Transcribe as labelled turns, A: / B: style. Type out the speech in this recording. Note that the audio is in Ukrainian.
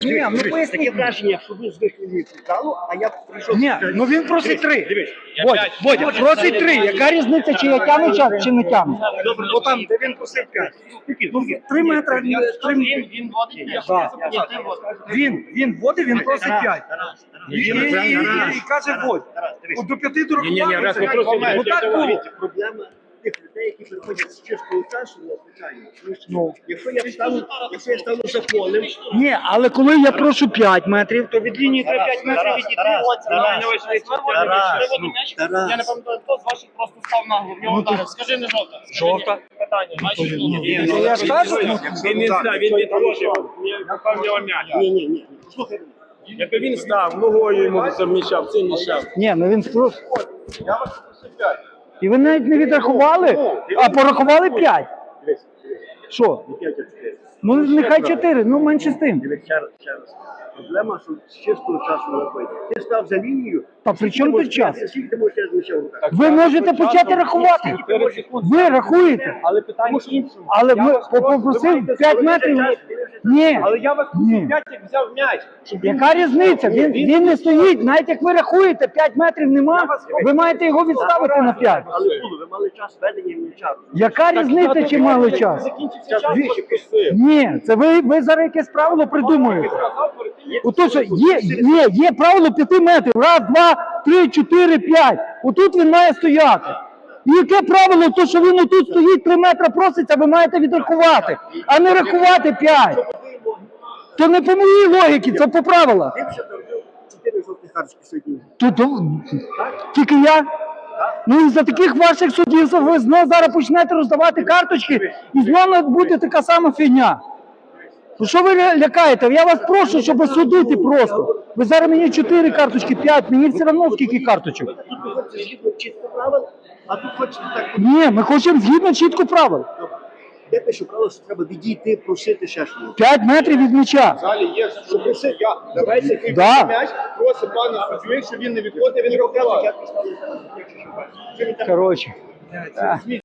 A: Ні, ну
B: Таке
A: поясніть.
B: враження, що ви звикли від футзалу, а я прийшов...
A: Ні, ну він просить 3.
B: Дивись.
A: Бодя, просить 3. Яка різниця, чи я тягну час, чи не тягну?
B: Добре, ну там, де він просив 5.
A: Ну, 3 метри.
C: Він водить,
A: Так. Він водить, він просить 5. І каже, водь. От до 5 до рахування. Ну так було.
B: Проблема тих людей, які приходять з чистого часу, звичайно.
A: Ну.
B: Якщо я стану за полем...
A: Ні, але коли я прошу 5 метрів, то від лінії треба 5 метрів відійти.
C: Я не пам'ятаю, хто з ваших просто став нагло, в нього ударив. Скажи, не жовта.
A: Жовта?
C: Питання, бачиш,
A: Я ж кажу,
D: Він відпрошував, напав в нього м'яч.
B: Ні. Слухай,
D: Якби він став, ногою йому заміщав, цим мішав.
A: ні, ну він просто. І ви навіть не відрахували, а порахували 5. Що? Ну нехай 4, ну менше з тим.
B: дивись, ще раз. Проблема, що з чистого часу не робити. Ти став за лінію...
A: Та при чому тут час?
B: Скільки ти можеш зміщав руках?
A: Ви можете почати рахувати. Ви рахуєте.
D: Але питання в іншому.
A: Але ви попросив 5 метрів. Ні.
D: Але я вас
A: Ні.
D: 5 взяв м'яч.
A: Яка різниця? Він не стоїть. Навіть як ви рахуєте, 5 метрів нема, ви маєте його відставити на 5.
B: Але було, ви мали час ведення і часу.
A: Яка різниця, чи мали час?
D: Закінчиться час,
A: Ви-
D: що просив.
A: Ні, це ви зараз якесь правило придумуєте. Ото що є правило 5 метрів. Раз, два, три, 4, 5. Отут він має стояти. І яке правило? То, що він отут стоїть 3 метри проситься, ви маєте відрахувати, а не рахувати 5. То не по моїй логіці, це по правилах.
B: Ти вже зробив 4 жовтих карточки сьогодні.
A: Тільки я. Ну і за таких ваших суддів ви знову зараз почнете роздавати карточки і знову буде така сама фігня. Ну що ви лякаєте? Я вас прошу, щоб судити просто. Ви зараз мені 4 карточки, 5, мені все одно скільки карточок.
B: Тут ви хочете згідно чітко правил, а тут хочете так...
A: Ні, ми хочемо згідно чітко правил.
B: Я пишу правило, що треба відійти, просити ще щось.
A: 5 метрів від м'яча.
D: Далі є, що просив я. Давайте який
A: Да.
D: м'яч, просить пана суддю, якщо він не відходить, він рахував.
A: Коротше.